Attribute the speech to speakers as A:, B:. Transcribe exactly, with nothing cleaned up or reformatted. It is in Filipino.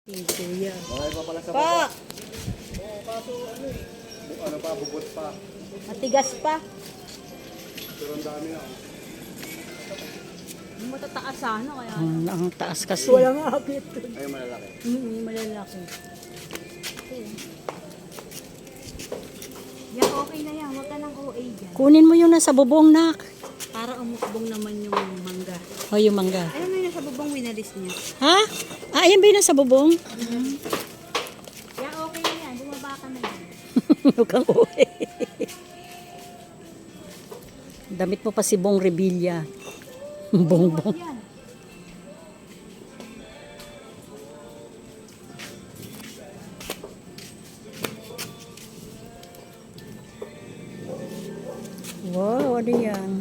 A: Kuya.
B: Bakit pa pala sa
A: Pa!
B: baba? Oo, kaso ano eh. Bu- Ano pa, bubot pa.
A: Matigas pa.
B: Pero ang dami na.
A: Matataas sana kaya.
C: Ang, ang taas kasi.
A: Walang akit.
B: Ay, malalaki.
A: Mm, malalaki. Yan, okay na yan. Huwag ka ng O A dyan.
C: Kunin mo yung nasa bubong, nak.
A: Para umukbong naman yung mangga.
C: O yung mangga.
A: Ano na yung nasa bubong winalis niya?
C: Ha? Ah, ayan ba yung nasa bubong?
A: Yan, okay na yan. Bumaba ka na yan.
C: Huwag kang uwi. Damit mo pa si Bong Revilla. Bongbong.
A: Yan.
C: Wow, ano yan?